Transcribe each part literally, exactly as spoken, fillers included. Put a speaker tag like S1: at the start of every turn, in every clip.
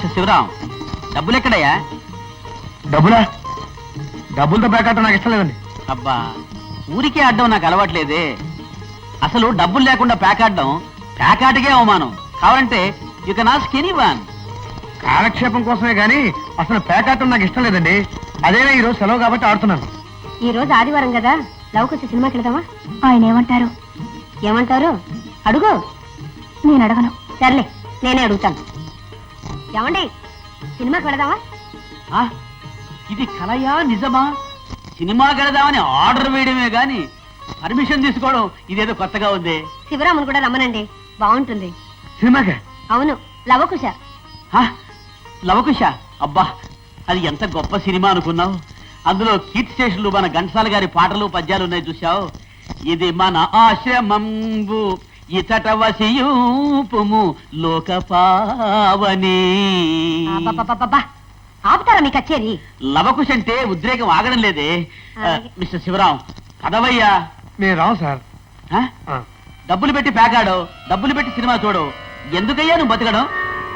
S1: Mister Sivaram, డబ్బులు ఎక్కడయ్యా?
S2: డబ్బులా? డబ్బులతో ప్యాకెట్ నాకు ఇష్టం లేదండి.
S1: అబ్బా, ఊరికే ఆడడం నాకు అలవాట్లేదే. అసలు డబ్బులు లేకుండా ప్యాకాడడం ప్యాకాటకే అవమానం. కావాలంటే యు కెన్ ఆస్క్ ఎనీవన్.
S2: కాలక్షేపం కోసమే గానీ అసలు ప్యాకెట్ నాకు ఇష్టం లేదండి. అదేనా ఈ రోజు సెలవు కాబట్టి ఆడుతున్నాను.
S3: ఈ రోజు ఆదివారం కదా, లవకొచ్చి సినిమాకి వెళదామా? ఆయన ఏమంటారు? ఏమంటారు అడుగు. నేను అడగను. సర్లే, నేనే అడుగుతాను. ఏమండి, సినిమాకి వెళదామా?
S1: ఆ, ఇది కలయా నిజమా? సినిమా వెళదామని ఆర్డర్ వేయడమే గాని పర్మిషన్ తీసుకోవడం ఇదేదో కొత్తగా ఉంది.
S3: శివరామును కూడా రమ్మనండి, బాగుంటుంది.
S2: సినిమాకే?
S3: అవును, లవకుశ.
S1: ఆ, లవకుశ. అబ్బా, అది ఎంత గొప్ప సినిమా అనుకున్నావు. అందులో కీర్తి స్టేషన్లు మన ఘంటసాల గారి పాటలు పద్యాలు ఉన్నాయి, చూసావు? ఇది మన ఆశ్రమంబు ఇతట వసియూపుము లోకపావని.
S3: అబ్బబ్బబ్బబ్బా, ఆపుతారా మీ కచేరి?
S1: లవకుశ అంటే ఉద్రేకం ఆగడం లేదే.
S3: అలాగే.
S1: మిస్టర్ శివరాం, పదవయ్యా.
S2: నేను రావు సార్.
S1: ఆ?
S2: ఆ.
S1: డబ్బులు పెట్టి ప్యాకాడు, డబ్బులు పెట్టి సినిమా చూడు. ఎందుకయ్యా నువ్వు బతకడం?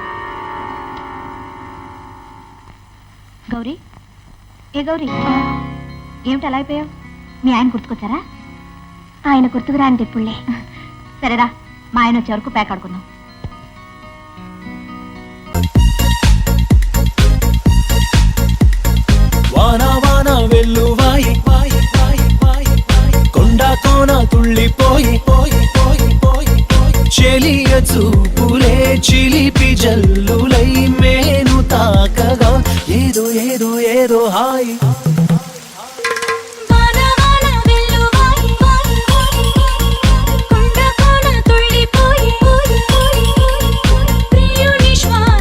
S3: గౌరీ, ఏ గౌరీ, ఏమిటి అలా అయిపోయావు? మీ ఆయన గుర్తుకొచ్చారా? ఆయన గుర్తుకురా అంటే ఇప్పుడులే. సరేరా, మా ఆయన వచ్చే వరకు ప్యాక్ ఆడుకుందాం.
S4: వాన వాన వెల్లువాయి వాయి వాయి వాయి వాయి కొండ కోన తుళ్ళిపోయి పోయి పోయి పోయి చెలియ చూపులే చిలి